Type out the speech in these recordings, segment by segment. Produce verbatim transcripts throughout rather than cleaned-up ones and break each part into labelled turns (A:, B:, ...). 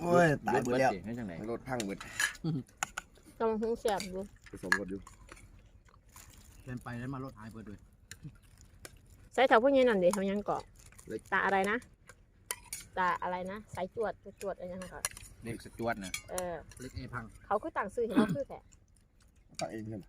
A: โอ้ยตายหมดแล้วรถพังหมด
B: กำลังหุ้งแสบอยู่
A: ผสมรถอยู่
C: เดินไปแล้วมารถหายเปิดด้วย
B: ใส่แถวพวกนี้นั่นเดี๋ยวเขายังเกาะตาอะไรนะตาอะไรนะสายจวดจวดอะไรยังก่อน
D: เล็กสจวดนะ
B: เออ
C: เล็กเอพัง
B: เขาคือต่างซื้อเห็นเขาคือแค่
A: ตั้งเองใช่ไหม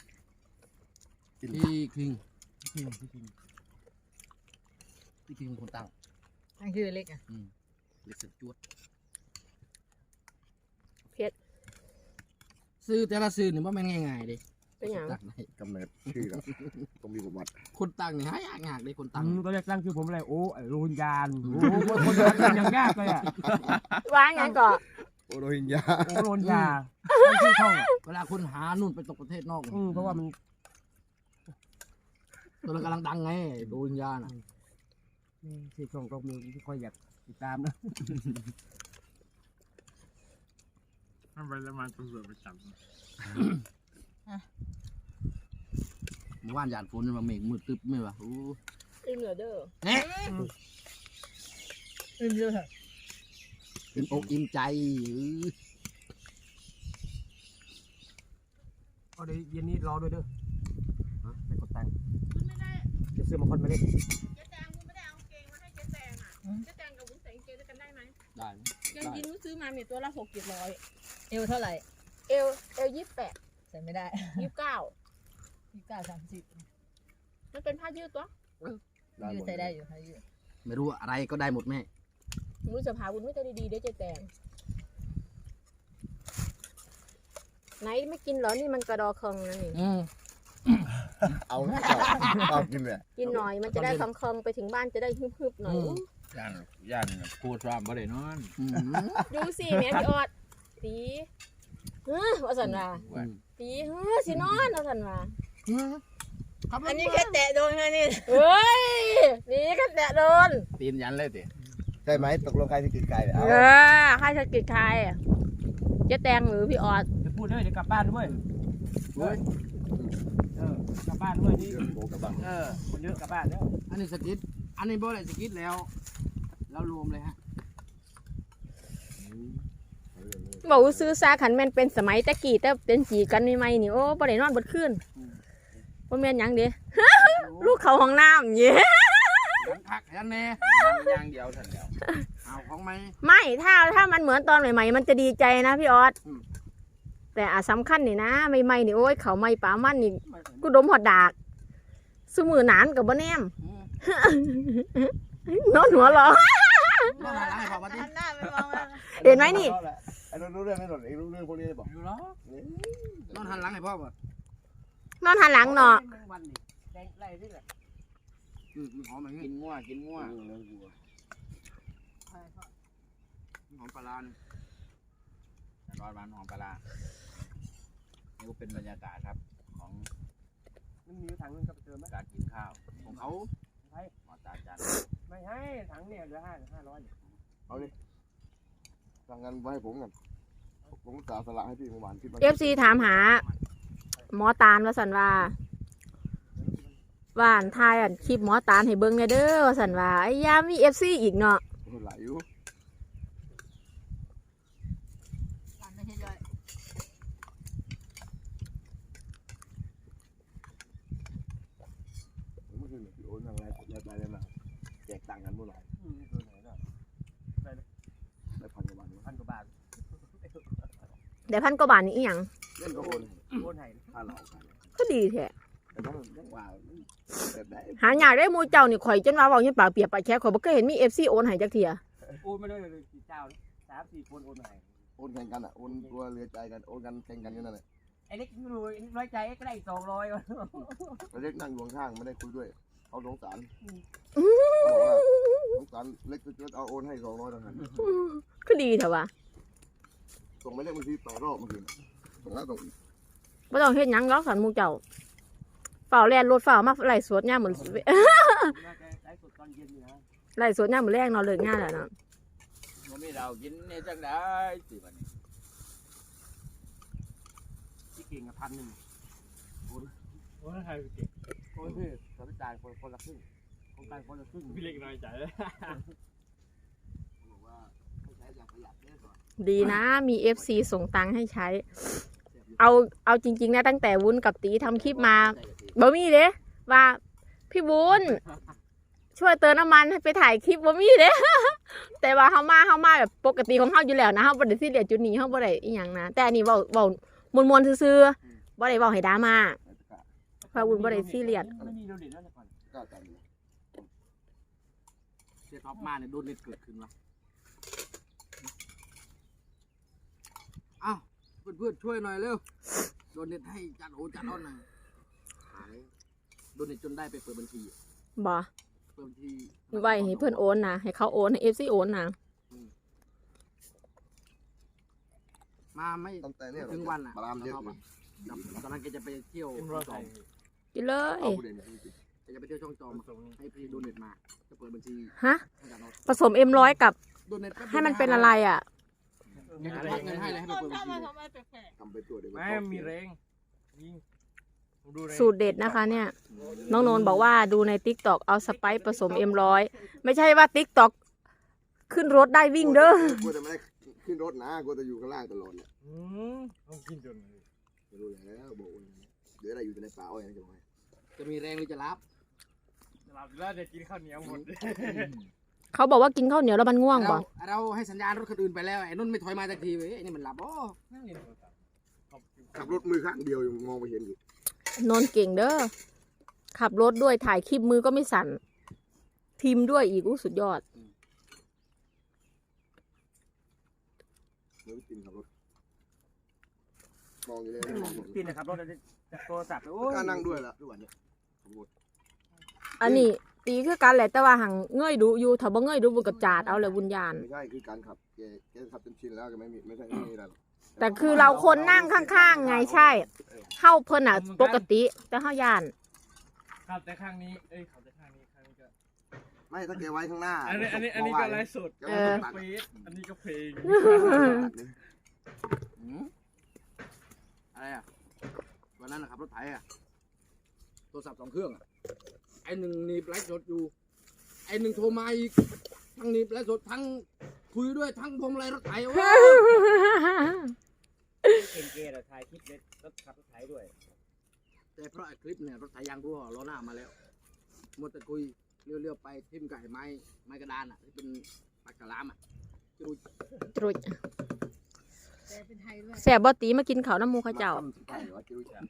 C: พี่คิงพี่คิงพี่คิงพี่คิงคนตั้ง
E: ตั้งชื่อเล็กอ่ะ
C: เล็กสจวด
B: เพชร
C: ซื้อแต่ละซื้อเนี่ยว่ามันง่ายๆดิ
B: เป็นอย่าง
A: กำเนิดชื่อครับต้องมีประวัติ
C: คนตั้งเนี่ยหายากยากเลยคนตั้ง
F: ตอนแรกตั้งชื่อผมอะไรโอ้โรฮิงญาโอ้คนตั้งอย่างยากเลยอ่ะ
B: วางอย่างก่อน
A: โอโรฮิงญา
F: โอโรฮิงญาชื่อช่อง
C: เวลาคนหานู่นไปตกประเทศนอก
F: เพราะว่ามัน
C: ตัวเรากำลังดังไงโรฮิงญาน่ะ
F: ชื่อช่องก็มีที่ค่อยอยากติดตามนะ
D: ทำไปแล้วมันตำรวจไปจับ
C: เมื่อวานหยาดฝนมาเมฆมืดตึ๊บไม่วะโอ้
B: อิ่มเหลือเด้อ
C: เนี่ย
E: อิ่มเยอะเหรอ
C: อิ่มอกอิ่มใจ
F: ก็เดี๋ยวเย็นนี้รอด้วยเด้อฮะไม่กดตังค์จะซื้อมาคนมาเล่น
B: เจ๊แตงคุณไม่ได้เอาเกงมาให้เจ๊แตงอ่ะเจ๊แตงกับวุ้นใส่เกงด้วยกันได้ไหม
C: ได้
B: ยังยินวุ้นซื้อมาเนี่ยตัวละหกเจ็ดร้อย
E: เอวเท่าไหร่
B: เอลเอลยี่สิบแปด
E: ใส่ไม่ได้
B: ยี่สิบเก้า
E: ยี่สิบเก้าสามสิบ
B: มันเป็นผ้ายืดตัว
E: ยืดใส่ได้อยู่ผ้ายืด
C: ไม่รู้อะไรก็ได้หมดแม่
B: รู้จะพาวุ้นไม่ได้ดีๆได้เจ๊แตงไหนไม่กินเหรอนี่มันกระดอเคิงนั่นนี่
A: เอาเอากินเลย
B: กินหน่อยมันจะได้เคิงไปถึงบ้านจะได้ฮึบๆหน่อย
D: ย่านย่านพูดซ้อมบ่ได้นอน
B: ดูสิแม่พี่ออดตีเฮ้อว่าสันว่าตีเฮ้อสินอนว่าสันว่า
E: อันนี้แค่แตะโดนแค่นี้
B: เฮ้ยนี่แค่แตะโดน
D: ตีนยันเลยติ
A: ใช่ไหมตกลงใครที่กินไก่
B: เออใครจะกินใครเจ๊แตงหรือพี่ออด
F: จะพูดด้วยจะกลับบ้านด้วยเฮ้ยเออกลับบ้านด้วยนี่เออคนเยอะกลับบ้านแล้ว
C: อันนี้สกิทอันนี้บ่ได้สกิทแล้วแล้วรวมเลยฮะ
B: บอกซื้อซาขันแม่นเป็นสมัยตะกี้แต่เป็นจีกันใหม่ๆนี่โอ้บ่ได้นอนบนคืนบ่แม่นหยังเด้ลูกเขาห้องน้ำเย้
C: ยังพักยันแน่
D: ย่างเดียวทันแล้ว
C: เอาของไหม
B: ไม่ถ้าถ้ามันเหมือนตอนใหม่ๆมันจะดีใจนะพี่ออสแต่อาสำคัญนี่นะใหม่ๆนี่โอ้ยเขาไม่ป่ามันนี่กูดมหอดดากสมือหนานกับบ่แนมนอนหัวหรอเห็นไหมนี่
A: ไอ้รู้เรื่องไม่หลดไอ้รู้เรื่องพวกนี้บอก
C: อยู่แล้วนอนหันหลังให้พ่อป่ะ
B: นอนหันหลังเนาะ
C: อืมหอมกินงัวกินงัวหอมปลาเนี่ย
D: ร้อนมันหอมปลานี่ก็เป็นบรรยากาศครับของ
F: มันมีถังนึงกับเติมไหม
D: การกินข้าวของเขา
F: ให้
D: หมอตาจัน
F: ไม่ให้ถังเนี่ยเหลือห้าห้าร้อย
A: เอาดิสั่งกันไว้ให้ผมกันผมจ่ายสละให้พี่เมื่อวานที่
B: เอฟซีถามหาหมอตาลว่าสันว่าว่านทายอันคลิปหมอตาลให้เบิ้งเด้อว่าสันว่าไอ้ยามีเอฟซีอีกเนาะ
A: หลายอยู่เมื่อคืนพี่โอนทางไรไรไรเลยมาแจกตังค์กันเมื่อไหร่ได้พันกว่าบาทพันกว่าบาท
B: เดี๋ยวพันกว่าบาทนี่อีหยัง
A: เล่นก็โอนโอนให้ค่าเหล่า
B: ก็ดีแท้
A: หา
B: อยากได้มูเจ้านี่ข่อยจนว่าบอกยังปากเปียกปากแฉะข่อยบ่เคยเห็นมีเอฟซีโอนให้จักเทีย
F: โอนไม่ได้เลยกี่เจ้าสามสี่คนโอนให้
A: โอนแข่งกันอ่ะโอนตัวเรือใจกันโอนกันแข่งกันอยู่นั่นแหละ
F: ไอ้เล็กรวยร้อยใจก็ได้สองร้อยไ
A: อ้เล็กนั่งอยู่ข้างไม่ได้คุยด้วยเขาสงสารสงสารเล็กจะเอาโอนให้สองร้อยต่างหาก
B: ก็ดีเถอะวะ
A: ส่งไม่ได้บางทีต่อรอบเมื่อคืนส่งแล้วส่งอีก
B: ไม่ต้องเฮ็ดหยังหรอกสันมูเจ้าเฝ้าแล่นรถเฝ้ามาไล่สวดย่าเหมือนไล่สวดย่าเหมือนแรงนอนเลิกงานแล้วเนาะ
D: มันไม่เรากินเนี่ยจังได้สิบัดนี้
F: ที่เก่งกับพันหนึ่งโอ้ยโอ้ยใครเก่งโอ้ยพี่สามจ่ายคนคนละครึ่งคนกลางคนละครึ่ง
D: พี่เล็กน้อยใจเลย
F: บอกว่าไม่ใช้
B: ดีนะมีเอฟซีส่งตังค์ให้ใช้ เอาเอาจริงๆนะตั้งแต่วุ้นกับตีทำคลิปมาบ่มีเด้ว่าพี่วุ้นช่วยเติมน้ำมันให้ไปถ่ายคลิปบ่มีเด้ แต่ว่าเฮามาเฮามาแบบปกติของเฮาอยู่แล้วนะเฮาบ่ได้ซีเรียสจุดนี้เฮาบ่ได้อีหยังนะแต่อันนี้เว้าเว้ามวนๆซื่อๆบ่ได้เว้าให้ดราม่าเพราะวุ้นบ่ได้ซีเรียส
F: ไม่มีโดนเด็ดแล้วแต่ก่อน
A: กล้ากันเลย
C: เสียท็อปมาเนี่ยโดนเน็ตเกิดขึ้นวะอ้าวเพื่อนๆช่วยหน่อยเร็วโดนเน็ตให้จัดโอจัดอ้อนหน่อยหายโดนเน็ตจนได้ไปเปิดบัญชี
B: บ่
C: เปิดบัญชี
B: ไว้ให้เพิ่นโอนนะให้เขาโอนให้ เอฟ ซี โอนนะ
C: มาไม่
A: ตั้งแต่เนี่ย
C: ถึงวันอ่ะ
A: บารามเยอะอยู่
C: ตอนนั้นแกจะไปเที่ยว
F: เอ็ม
C: ช่
F: ร้
C: อ
F: อง ย
C: จ
F: ใส่
C: อม
B: กินเลย
A: เอาผู้เด่นจริง
C: แกจะไปเที่ยวช่องจอม
F: ส่ง
C: ให้พี่โดนเน็ตมาจะเปิดบัญชี
B: ฮะ
C: ให้จัดเอา
B: ผสมเอ็มร้อยกับ
C: โดนเน็ตแป๊บดียว
B: ให้มันเป็นอะไรอ่ะ
C: แกจะพักเงินให้เลยให้ไปเปิดบัญชีเลย
A: ๆทำไปตัวเดียว
F: ไม่มีแรงยิงผมดูใน
B: สูตรเด็ดนะคะเนี่ย น้องโนนบอกว่าดูใน ติ๊กต็อก เอาสไปซ์ผสมเอ็มร้อยไม่ใช่ว่า ติ๊กต็อก ขึ้นรถได้วิ่งเด้อ
A: กลัวจะไม่ได้ขึ้นรถนะกลัวจะอยู่ข้างล่างตลอดเนี่ย
F: อืมต้องกินจน
A: ไม่รู้แล้วบอกว่าเดี๋ยวอะไรอยู่แต่ในป่าอ้อยนะจะบอกให้
C: จะมีแรงหรือจะรับ
F: หลับแล้วจะกินข้าวเหนียวหมด
B: เขาบอกว่ากินข้าวเหนียวแล้วมันง่วง
C: เรา
B: บ่
C: เราให้สัญญาณรถคันอื่นไปแล้วไอ้นุ่นไม่ถอยมาสักทีเว้ยไอ้นี่มันหลับอ๋อ
F: นั่งเรียนโทรศัพท์
A: ขับรถมือข้างเดียวยังมองไม่เห็นอยู่
B: นนเก่งเด้อ ขับรถด้วยถ่ายคลิปมือก็ไม่สั่น พิมพ์ด้วยอีกอู้สุดยอด
A: เดี๋ยวไปกินขับรถมองอยู่เลยมองอยู่
F: กินนะครับรถจากโทรศัพท์โอ้ย
A: กล้านั่งด้วยละทุกวันเนี่ยขับรถ
B: อันนี้ตีคือกันแหละแต่ว่าหังเงยดูอยู่ถ้าบ่เงยดูบุกระจาดเอาเลยบุญญาณ
A: ไม่ใช่คือการขับแกแกขับจนชินแล้วแกไม่มีไม่ใช่ไม่มีอะไรหรอก
B: แต่คือเราคนนั่งข้างๆไงใช่เข้าเพิ่นอ่ะปกติ แต่เฮาย่าน
F: ขับแต่ข้างนี้เอ้ยขับแต่ข้างนี้ข้างนี้ก็
A: ไม่ถ้าแกไว้ข้างหน้า
F: อันนี้อันนี้อันนี้ก็ไลฟ์สด
A: แกไม่ต้องตัด
F: เฟซอันนี้ก็เพลง
A: ตัดเลย
C: หืมอะไรอ่ะวันนั้นนะครับรถไถอ่ะโทรศัพท์สองเครื่องอ่ะไอ้หนึ่งหนีบไลฟ์สดอยู่ไอ้หนึ่งโทรมาอีกทั้งหนีบไลฟ์สดทั้งคุยด้วยทั้งพวงมาลัยรถไถโอ้
F: เก่งเกย์แต่ถ่ายคลิปเล็ดรถขับรถไถด้วย
C: แต่เพราะไอ้คลิปเนี่ยรถไถยางรั่วล้อหน้ามาแล้วหมดแต่คุยเลี้ยวๆไปทิ่มไก่ไม้ไม้กระดานอ่ะที่เป็นปากกะลามอ่ะจู
B: ตรุย
E: แต่เป็นไทยด้วย
B: แซ่บบ่ตีมากินข้าวน้ำหมูเขาเจ้า
A: ใช่ว่าจะรู้จัก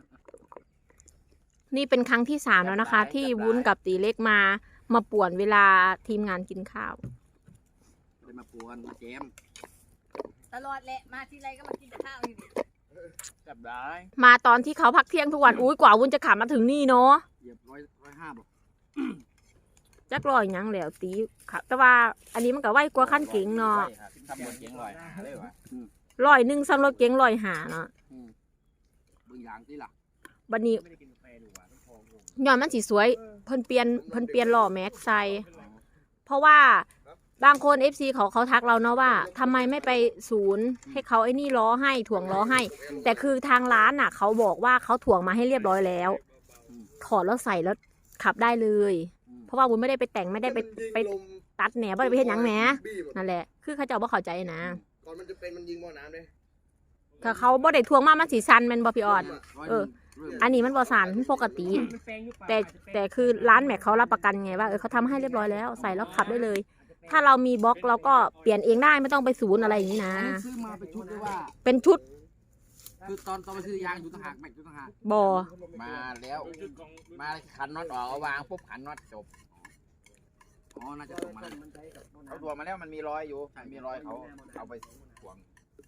B: นี่เป็นครั้งที่สามแล้วนะคะ ที่วุ้นกับตีเล็กมามาป่วนเวลาทีมงานกินข้าว
C: เลยมาปวนมาแจม
E: ตลอดแหละมาทีไรก็มากินแต่ข้าวนี่ดิ
F: จับได้
B: มาตอนที่เขาพักเที่ยงทุกวันอุ้ยกว่าวุ้นจะขับมาถึงนี่เนาะ
C: เหยียบร้อยร้อยห้าบอก
B: จักรอยหยังแล้วตีขับแต่ว่าอันนี้มันก็ไวกว่าขั้นเก๋งเนาะ
D: ทำบนเก๋งลอยเลยวะ
B: ร้อยหนึ่งสำหรับเก๋งร้อยหาเนาะ
C: บางอย่างที่ล่ะ
B: บัดนี้
F: ไม่ได้กินกาแฟดูว่ะต้องทองลง
B: ย้อนมันสีสวย เพิ่นเปลี่ยนเพิ่นเปลี่ยนล้อแม็กใส่เพราะว่าบางคน เอฟ ซี เขาเขาทักเราเนาะว่าทำไมไม่ไปศูนย์ให้เขาไอ้นี่ล้อให้ถ่วงล้อให้ แต่คือทางร้านน่ะ เขาบอกว่าเขาถ่วงมาให้เรียบร้อยแล้ว ถอดแล้วใส่แล้วขับได้เลย เพราะว่าวุ้นไม่ได้ไปแต่งไม่ได้ไปไปตัดแหนไม่ได้ไปเฮ็ดหยังแหนนั่นแหละ คือเขาเจ้าบ่เข้าใจนะ
A: ก่อนมันจะเป็นมันยิงบ่อน้ำเลย
B: ถ้าเขาบ่ได้ถ่วงมามันสีสันแมันบ่พี่ออด
C: ร้อย
B: เออ
C: หนึ่ง
B: อันนี้มันบ่สันปกติ แต่แต่คือร้านแม็กเขารับประกันไงว่าเออเขาทำให้เรียบร้อยแล้วใส่แล้วขับได้เลย ถ้าเรามีบล็อกเราก็เปลี่ยนเองได้ไม่ต้องไปศูนย์อะไรอย่างนี้นะ
C: อันนี้ซื้อมาเป็นชุดด้วยว่า
B: เป็นชุด
C: คือตอนตอนไปซื้อยางอยู่ต่างหากแม็กอยู่ต่างหาก
B: บอ
D: มาแล้วมาขันน็อตออกเอาวางปุ๊บขันน็อตจบ
C: อ๋อน่าจะส่งมาแล้ว
D: เขาตัวมาแล้วมันมีรอยอยู่มีรอยเขาเอาไปขวาง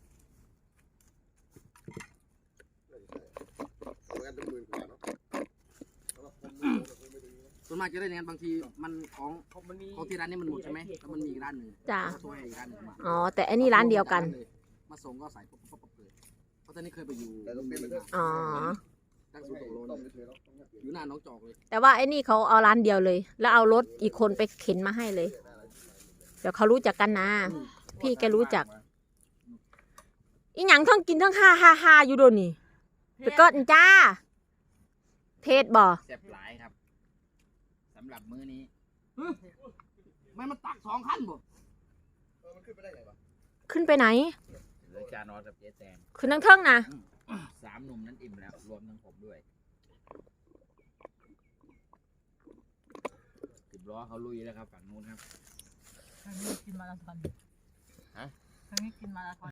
A: เอากันเป็นหมื่นกว่าเนาะ
C: ส่วนมากจะได้เนี่ยบางทีมันของ
F: มันมี
C: ของที่ร้านนี้มันหมดใช่ไหมแล้วมันมีอีกร้านหนึ่ง
B: จ้ะ
C: ช่วยอีกร้านหนึ่งมา
B: อ๋อแต่อันนี้ร้านเดียวกัน
C: มาส่งก็ใส่ปุ๊บปุ๊บปุ๊บเลยเพราะตอนนี้เคยไปอยู่
A: แต่ต้องเป็นไปด้วย
B: อ๋อ
C: ตั้งศูนย์ตกโลน
A: ต้องไปเทแล้ว
C: อยู่หน้าน้องจอกเลย
B: แต่ว่าไอ้นี่เขาเอาร้านเดียวเลย แล้วเอารถอีกคนไปเข็นมาให้เลย เดี๋ยวเขารู้จักกันนะ พี่แกรู้จัก อีหยังทั้งกินทั้งฮ่าฮ่าฮ่าอยู่โดนนี่ไปกดจ้า เพศบ่
D: แซ่บหลายครับสำหรับมื้อนี้
C: ไม่มันตักสองขั้นบ่
A: เออมันขึ้น
C: ขึ้นไปได้ไงวะ
B: ขึ้นไปไหน
D: เหลือจานอสกับเจ๊แตง
B: ขึ้นทั้งเทิงนะ
D: สามหนุ่มนั้นอิ่มแล้วรวมทั้งผมด้วยสิบล้อเขาลุยแล้วครับฝั่งนู้นครับ
E: ครั้งนี้กินมาราธอน
D: ฮะ
E: ครั้งนี้กินมาราธอน